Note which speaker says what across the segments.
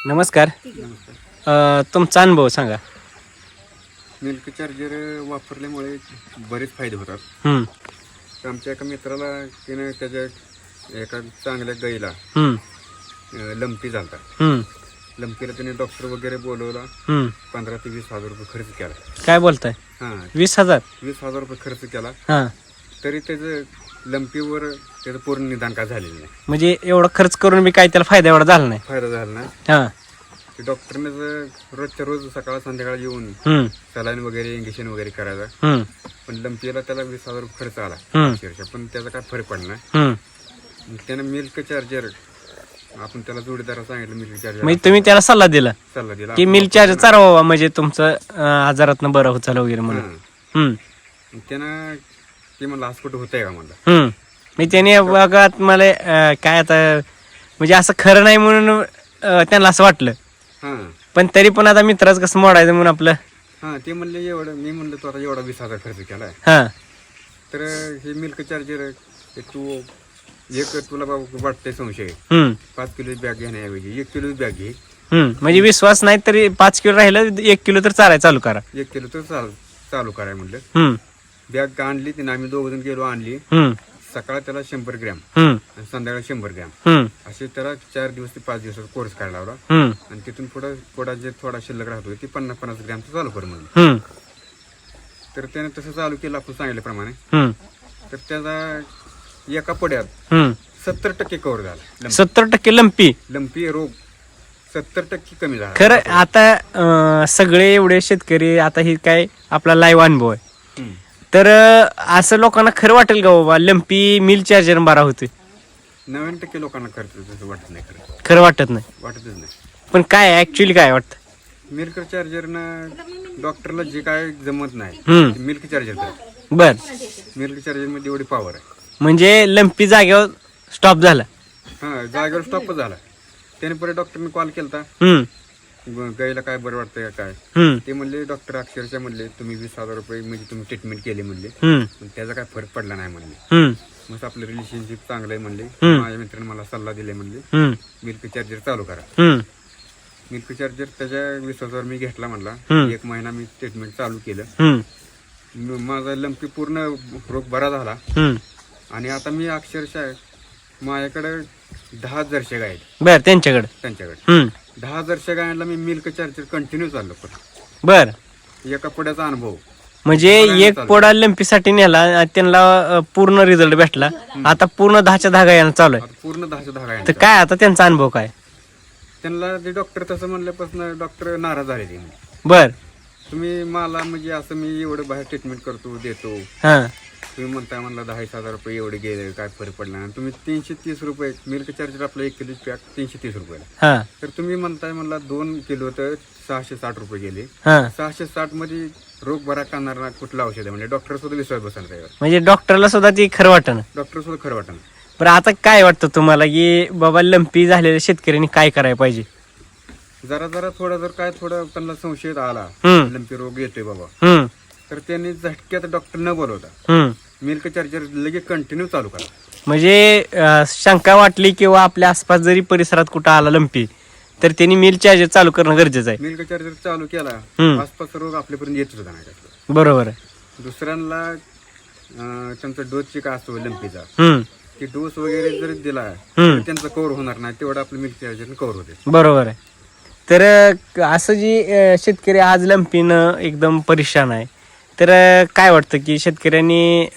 Speaker 1: नमस्कार.
Speaker 2: नमस्कार.
Speaker 1: तुमचा अनुभव सांगा.
Speaker 2: मिल्क चार्जर वापरल्यामुळे बरेच फायदे होतात.
Speaker 1: हम्म,
Speaker 2: आमच्या एका मित्राला त्याने त्याच्या एका चांगल्या गाईला
Speaker 1: हम्म,
Speaker 2: लंपी झालता.
Speaker 1: हम्म,
Speaker 2: लंपीला त्याने डॉक्टर वगैरे बोलवला.
Speaker 1: हम्म.
Speaker 2: 15 ते 20 हजार रुपये खर्च केला.
Speaker 1: काय बोलताय?
Speaker 2: हां
Speaker 1: 20,000?
Speaker 2: 20,000 रुपये खर्च केला.
Speaker 1: हा,
Speaker 2: तरी त्याचं लंपीवर त्याचं पूर्ण निदान काय झालेलं नाही.
Speaker 1: म्हणजे एवढा खर्च करून मी काय त्याला फायदा एवढा झाला नाही.
Speaker 2: फायदा झाला नाही.
Speaker 1: हा,
Speaker 2: ते डॉक्टरने रोजच्या रोज सकाळ संध्याकाळ येऊन
Speaker 1: हम्म,
Speaker 2: सलाईन वगैरे इंजेक्शन वगैरे करायचं.
Speaker 1: हम्म,
Speaker 2: पण लंपीला त्याला 20,000 रुपये खर्च आला
Speaker 1: हम्म.
Speaker 2: अक्षरशः. पण त्याचा काय फरक पडला नाही.
Speaker 1: हम्म.
Speaker 2: त्यानं मिल्क चार्जर आपण त्याला जोडीदारा सांगितलं मिल्क चार्जर
Speaker 1: म्हणजे तुम्ही त्याला सल्ला दिला
Speaker 2: सल्ला दिला
Speaker 1: की मिल्क चार्जर चालवा, म्हणजे तुमचं आजारातनं बरं होत चालू वगैरे म्हणून.
Speaker 2: हां.
Speaker 1: हम्म,
Speaker 2: त्यानं ते म्हणलं आज कुठं होतंय का म्हणलं.
Speaker 1: हम्म. मी त्याने बघत मला काय आता म्हणजे असं खरं नाही म्हणून त्यांना असं वाटलं.
Speaker 2: हां
Speaker 1: पण तरी पण आता मित्राच कसं मोडायचं म्हणून आपलं.
Speaker 2: हां ते म्हणले एवढं. मी म्हणलं तू आता एवढा 20,000 खर्च केलाय
Speaker 1: हा,
Speaker 2: तर हे मिल्क चार्जर तू एक तुला बाबा वाटतंय संशय
Speaker 1: हम्म,
Speaker 2: 5 किलोची बॅग घेण्याऐवजी 1 किलोची बॅग घे.
Speaker 1: म्हणजे विश्वास नाही तरी 5 किलो राहिलं 1 किलो तर चालाय चालू करा.
Speaker 2: 1 किलो तर चालू कराय म्हणलं.
Speaker 1: हम्म,
Speaker 2: बॅग आणली तिने. आम्ही 2 जण गेलो आणली.
Speaker 1: हम्म,
Speaker 2: सकाळ त्याला 100 ग्रॅम
Speaker 1: हम्म,
Speaker 2: आणि संध्याकाळी 100 ग्रॅम
Speaker 1: हम्म,
Speaker 2: असे त्याला 4 दिवस ते 5 दिवसाचा कोर्स काढला लावला.
Speaker 1: हम्म,
Speaker 2: आणि तिथून पुढं थोडा शिल्लक राहतो ती 50-50 ग्रॅमचं चालू कर म्हणून.
Speaker 1: हम्म,
Speaker 2: तर त्याने तसं चालू केलं आपण सांगितल्याप्रमाणे.
Speaker 1: हम्म,
Speaker 2: तर त्याचा एका पड्यात
Speaker 1: हम्म.
Speaker 2: 70% कव्हर झाला.
Speaker 1: 70% लंपी.
Speaker 2: लंपी रोग 70% कमी झाला.
Speaker 1: खरं आता सगळे एवढे शेतकरी आता ही काय आपला लाईव्ह अनुभव आहे.
Speaker 2: हम्म.
Speaker 1: तर असं लोकांना खरं वाटेल का बाबा लंपी मिल चार्जर बारा होते?
Speaker 2: 90% लोकांना खर्च तसं वाटत नाही.
Speaker 1: खरं वाटत नाही.
Speaker 2: वाटतच नाही.
Speaker 1: पण काय ऍक्च्युअली काय वाटतं?
Speaker 2: मिल्क चार्जरनं डॉक्टरला जे काय जमत नाही
Speaker 1: हम्म,
Speaker 2: ते मिल्क चार्जर करतं.
Speaker 1: बर.
Speaker 2: मिल्क चार्जरमध्ये एवढी पॉवर आहे.
Speaker 1: म्हणजे लंपी जागेवर स्टॉप झाला.
Speaker 2: हां जागेवर स्टॉपच झाला. त्याने परत डॉक्टरने कॉल केला.
Speaker 1: हम्म,
Speaker 2: गायला काय बरं वाटतंय का काय.
Speaker 1: हम्म,
Speaker 2: ते म्हणले डॉक्टर अक्षरशः म्हणले तुम्ही 20,000 रुपये म्हणजे तुम्ही ट्रीटमेंट केली म्हणले.
Speaker 1: हम्म,
Speaker 2: पण त्याचा काय फरक पडला नाही म्हणले.
Speaker 1: हम्म,
Speaker 2: मग आपलं रिलेशनशिप चांगलं आहे म्हणले.
Speaker 1: हम्म.
Speaker 2: माझ्या मित्राने मला सल्ला दिले म्हणले
Speaker 1: हम्म,
Speaker 2: मिल्क चार्जर चालू करा.
Speaker 1: हम्म,
Speaker 2: मिल्क चार्जर त्याच्या विश्वासावर मी घेतला म्हणला.
Speaker 1: हम्म.
Speaker 2: 1 महिना मी ट्रीटमेंट चालू केलं.
Speaker 1: हम्म,
Speaker 2: माझा लंपी पूर्ण रोग बरा झाला.
Speaker 1: हम्म.
Speaker 2: आणि आता मी अक्षरशः माझ्याकडे 10 जर्सी गाय आहेत.
Speaker 1: बर त्यांच्याकडे.
Speaker 2: त्यांच्याकडे
Speaker 1: हम्म,
Speaker 2: 10 जर्सी गायांना मी मिल्क चार्जर कंटिन्यू चाललो. पण
Speaker 1: बर.
Speaker 2: एका पुढ्याचा अनुभव.
Speaker 1: म्हणजे एक पोडा लंपीसाठी नेला त्यांना पूर्ण रिझल्ट भेटला. आता पूर्ण 10च्या 10 गायांना चालू आहे.
Speaker 2: आता पूर्ण 10च्या 10 गाय.
Speaker 1: तर काय आता त्यांचा अनुभव काय?
Speaker 2: त्यांना ते डॉक्टर तसं म्हणल्यापासून डॉक्टर नाराज झाले. ते
Speaker 1: बर.
Speaker 2: तुम्ही मला म्हणजे असं मी एवढं बाहेर ट्रीटमेंट करतो देतो.
Speaker 1: हा,
Speaker 2: तुम्ही म्हणताय म्हणला 10,000 रुपये एवढे गेले काय फरक पडला नाही. तुम्ही 330 रुपये मिल्क चार्जर आपलं 1 किलो पॅक 330 रुपयाला.
Speaker 1: हा,
Speaker 2: तर तुम्ही म्हणताय म्हणला 2 किलो तर 660 रुपये गेले.
Speaker 1: हा.
Speaker 2: 660 मध्ये रोग बरा करणारा कुठलं औषध आहे म्हणजे डॉक्टर सुद्धा विश्वास बसला त्यावर.
Speaker 1: म्हणजे डॉक्टरला सुद्धा ती खरं वाटणं.
Speaker 2: डॉक्टर सुद्धा खरं वाटणं.
Speaker 1: बरं आता काय वाटतं तुम्हाला की बाबा लंपी झालेल्या शेतकऱ्यांनी काय करायला पाहिजे?
Speaker 2: जरा थोडा जर काय थोडा त्यांना संशय आला
Speaker 1: हम्म.
Speaker 2: लंपी रोग येतोय बाबा
Speaker 1: हम्म,
Speaker 2: तर त्यांनी झटक्यात डॉक्टर न बोलवता
Speaker 1: हम्म.
Speaker 2: मिल्क चार्जर लगेच कंटिन्यू चालू करा.
Speaker 1: म्हणजे शंका वाटली किंवा आपल्या आसपास जरी परिसरात कुठं आला लंपी तर त्यांनी मिल चार्जर चालू करणं गरजेचं आहे.
Speaker 2: मिल्क चार्जर चालू केला
Speaker 1: हम्म.
Speaker 2: आसपास रोग आपल्यापर्यंत येत होता नाही.
Speaker 1: बरोबर आहे.
Speaker 2: दुसऱ्यांना त्यांचा डोसची काय असतो लंपीचा
Speaker 1: हम्म,
Speaker 2: की डोस वगैरे जरी दिला
Speaker 1: हम्म.
Speaker 2: तर त्यांचा कव्हर होणार नाही. तेवढं आपलं मिल्क चार्जर कव्हर होते.
Speaker 1: बरोबर आहे. तर असं जी शेतकरी आज लंपीनं एकदम परेशान आहे तर काय वाटतं की शेतकऱ्यांनी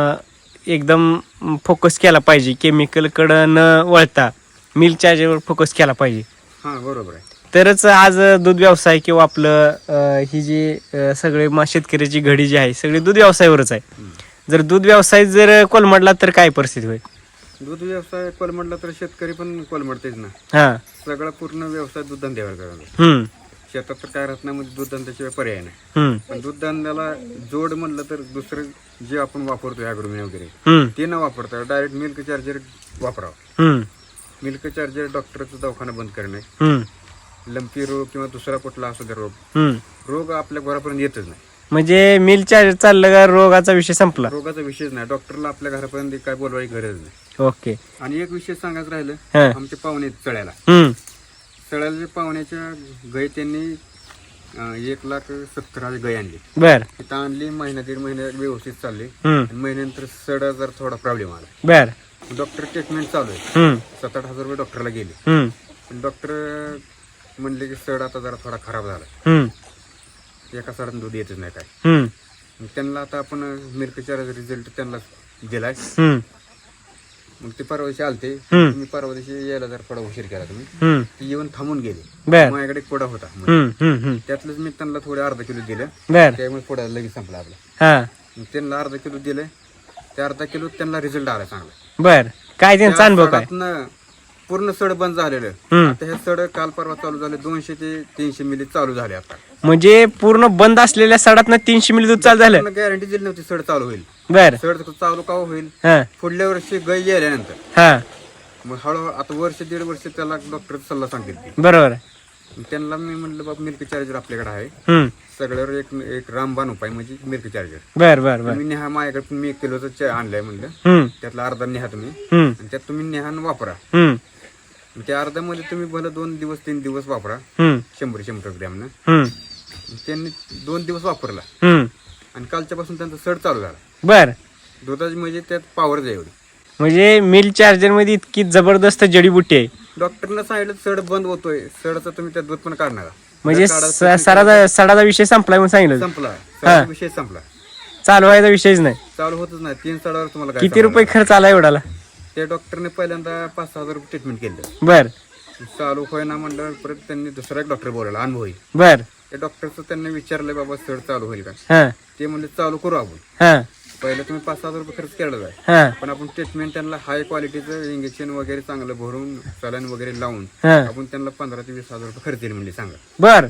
Speaker 1: एकदम फोकस केला पाहिजे, केमिकलकडं न वळता मिल्क चार्जरवर फोकस केला पाहिजे.
Speaker 2: हां बरोबर आहे.
Speaker 1: तरच आज दूध व्यवसाय किंवा आपलं ही जी सगळे शेतकऱ्याची घडी जी आहे सगळी दूध व्यवसायावरच आहे. जर दूध व्यवसाय जर कोलमडला तर काय परिस्थिती होईल?
Speaker 2: दूध व्यवसाय कोलमडला तर शेतकरी पण कोलमडतेच ना.
Speaker 1: हा,
Speaker 2: सगळा पूर्ण व्यवसाय दूध धंद्यावर करायला.
Speaker 1: हम्म,
Speaker 2: शेतात तर काय राहत नाही म्हणजे दूध धंद्याशिवाय पर्याय नाही.
Speaker 1: हम्म,
Speaker 2: पण दूध धंद्याला जोड म्हणलं तर दुसरं जे आपण वापरतो ॲग्रोमिन वगैरे
Speaker 1: हम्म,
Speaker 2: ते न वापरता डायरेक्ट मिल्क चार्जर वापरावं.
Speaker 1: हम्म,
Speaker 2: मिल्क चार्जर डॉक्टरचा दवाखाना बंद करणे.
Speaker 1: हम्म,
Speaker 2: लंपी रोग किंवा दुसरा कुठला असू दे
Speaker 1: हम्म.
Speaker 2: रोग आपल्या घरापर्यंत येतच नाही.
Speaker 1: म्हणजे मिल चार्जर चाललं का रोगाचा विषय संपला.
Speaker 2: रोगाचा विषयच नाही. डॉक्टरला आपल्या घरापर्यंत काय बोलवायची गरज नाही.
Speaker 1: ओके.
Speaker 2: आणि एक विषय सांगायचं राहिलं
Speaker 1: हा.
Speaker 2: आमचे पाहुणे चढायला
Speaker 1: हम्म,
Speaker 2: सळाच्या पाहुण्याच्या गाय त्यांनी 1,70,000 गाय आणली.
Speaker 1: बर
Speaker 2: तिथं आणली महिना 1.5 महिन्यात व्यवस्थित चालली.
Speaker 1: हम्म
Speaker 2: आणि महिन्यानंतर सड जर थोडा प्रॉब्लेम आला.
Speaker 1: बर
Speaker 2: डॉक्टर ट्रीटमेंट चालू आहे.
Speaker 1: हम्म
Speaker 2: 7-8 हजार रुपये डॉक्टरला गेले.
Speaker 1: हम्म
Speaker 2: पण डॉक्टर म्हणले की सड आता जरा थोडा खराब झाला. एका सडात दूध येतच नाही काय.
Speaker 1: हम्म
Speaker 2: मग त्यांना आता आपण मिल्क चार्जर रिझल्ट त्यांना दिलाय.
Speaker 1: हम्म
Speaker 2: मग ते परवा दिवशी आलते.
Speaker 1: हम्म.
Speaker 2: तुम्ही परवा दिवशी यायला जर थोडा उशीर केला तुम्ही.
Speaker 1: हम्म
Speaker 2: ती येऊन थांबून गेले.
Speaker 1: बर
Speaker 2: माझ्याकडे एक पुडा होता.
Speaker 1: हम्म
Speaker 2: त्यातलंच मी त्यांना थोडे अर्धा किलो दिलं.
Speaker 1: बर
Speaker 2: त्यामुळे पुडा लगेच संपला आपला.
Speaker 1: हा
Speaker 2: मग त्यांना अर्धा किलो दिलं. त्या अर्धा किलो त्यांना रिझल्ट आला चांगला.
Speaker 1: बर काय त्यांचा अनुभव काय
Speaker 2: सडातनं पूर्ण सड बंद झालेलं.
Speaker 1: हम्म
Speaker 2: आता हे सड काल परवा चालू झाले. 200 ते 300 मिली चालू झाले आता.
Speaker 1: म्हणजे पूर्ण बंद असलेल्या सडात 300 मिली दूध चालू झालं.
Speaker 2: गॅरंटी दिली नव्हती सड चालू होईल.
Speaker 1: बर
Speaker 2: सड चालू का होईल.
Speaker 1: हा
Speaker 2: पुढल्या वर्षी गाय गेल्यानंतर
Speaker 1: हा
Speaker 2: मग हळूहळू आता 1-1.5 वर्ष त्याला डॉक्टर सल्ला सांगितली.
Speaker 1: बरोबर
Speaker 2: त्यांना मी म्हणलं बाबा मिल्क चार्जर आपल्याकडे आहे.
Speaker 1: हम्म
Speaker 2: सगळ्यावर एक रामबाण उपाय म्हणजे मिल्क चार्जर.
Speaker 1: बर बर बर
Speaker 2: तुम्ही नेहा माझ्याकडे पण मी 1 किलोचं आणलंय म्हणलं.
Speaker 1: हम्म
Speaker 2: त्यातला अर्धा नेहा तुम्ही
Speaker 1: हम्म
Speaker 2: आणि त्यात तुम्ही नेहान वापरा.
Speaker 1: हम्म
Speaker 2: त्या अर्ध्यामध्ये तुम्ही भलं 2 दिवस 3 दिवस वापरा.
Speaker 1: हम्म
Speaker 2: 100 ग्रॅमनं.
Speaker 1: हम्म
Speaker 2: त्यांनी 2 दिवस वापरला
Speaker 1: हम्म
Speaker 2: आणि कालच्यापासून त्यांचा सड चालू झाला.
Speaker 1: बर
Speaker 2: दुधाची म्हणजे त्यात पावर जाईल एवढी.
Speaker 1: म्हणजे मिल्क चार्जर मध्ये इतकी जबरदस्त जडीबुटी आहे.
Speaker 2: डॉक्टरनं सांगितलं सड बंद होतोय. सडचा तुम्ही त्यात दूध पण काढणार.
Speaker 1: म्हणजे सडाचा विषय संपलाय म्हणून सांगितलं.
Speaker 2: संपला. सडाचा विषय संपला.
Speaker 1: चालू व्हायचा विषयच नाही. काय
Speaker 2: चालू होतच नाही. 3 सडावर तुम्हाला काय
Speaker 1: किती रुपये खर्च आला एवढाला.
Speaker 2: त्या डॉक्टरने पहिल्यांदा 5-6 हजार रुपये ट्रीटमेंट केलं.
Speaker 1: बर
Speaker 2: चालू होईना म्हणलं. परत त्यांनी दुसरा एक डॉक्टर बोलावला अनुभवी.
Speaker 1: बर
Speaker 2: त्या डॉक्टरचं त्यांनी विचारलं बाबा सड चालू होईल का.
Speaker 1: हा
Speaker 2: ते म्हणले चालू करू आपण.
Speaker 1: हा
Speaker 2: पहिलं तुम्ही 5-6 हजार रुपये खर्च केला जाय.
Speaker 1: हा
Speaker 2: पण आपण ट्रीटमेंट त्यांना हाय क्वालिटीचं इंजेक्शन वगैरे चांगलं भरून सलाईन वगैरे लावून
Speaker 1: हा
Speaker 2: आपण त्यांना 15 ते 20 हजार रुपये खर्च येईल म्हणले. सांगा
Speaker 1: बर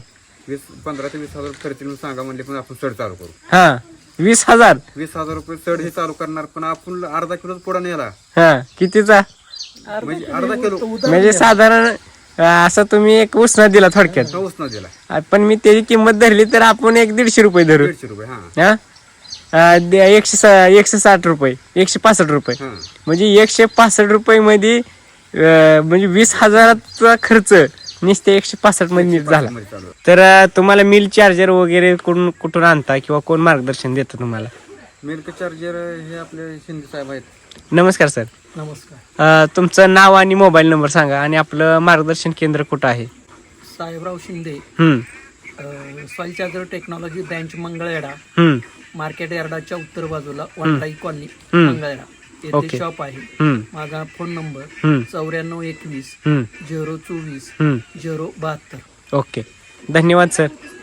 Speaker 2: 15 ते 20 हजार रुपये खर्च येईल म्हणून सांगा म्हणले. पण आपण सड चालू करू.
Speaker 1: हा 20,000
Speaker 2: 20,000 रुपये सड हे चालू करणार. पण आपण अर्धा किलो पुढा नेला
Speaker 1: हा कितीचा
Speaker 2: म्हणजे अर्धा किलो
Speaker 1: म्हणजे साधारण असं तुम्ही एक उसना दिला थोडक्यात.
Speaker 2: पाऊस न दिला.
Speaker 1: पण मी त्याची किंमत धरली तर आपण 150 रुपये धरू.
Speaker 2: 150 रुपये. हा
Speaker 1: 160 रुपये 165 रुपये
Speaker 2: हा
Speaker 1: म्हणजे 165 रुपये मध्ये म्हणजे 20,000चा खर्च नुसते 165 मध्ये झाला.
Speaker 2: मध्ये चालू.
Speaker 1: तर तुम्हाला मिल चार्जर वगैरे कुठून आणता किंवा कोण मार्गदर्शन देतं तुम्हाला.
Speaker 2: मिल्क चार्जर हे आपले शिंदे साहेब आहेत.
Speaker 1: नमस्कार सर.
Speaker 3: नमस्कार.
Speaker 1: तुमचं नाव आणि मोबाईल नंबर सांगा आणि आपलं मार्गदर्शन केंद्र कुठं आहे.
Speaker 3: Sahebrao Shinde, soil charger technology branch Mangalwedha, market यार्डाच्या उत्तर बाजूला वनलाई कॉलनी मंगळवेढा येथे
Speaker 1: ओके.
Speaker 3: शॉप आहे. माझा फोन नंबर 9421 024 072.
Speaker 1: ओके धन्यवाद सर.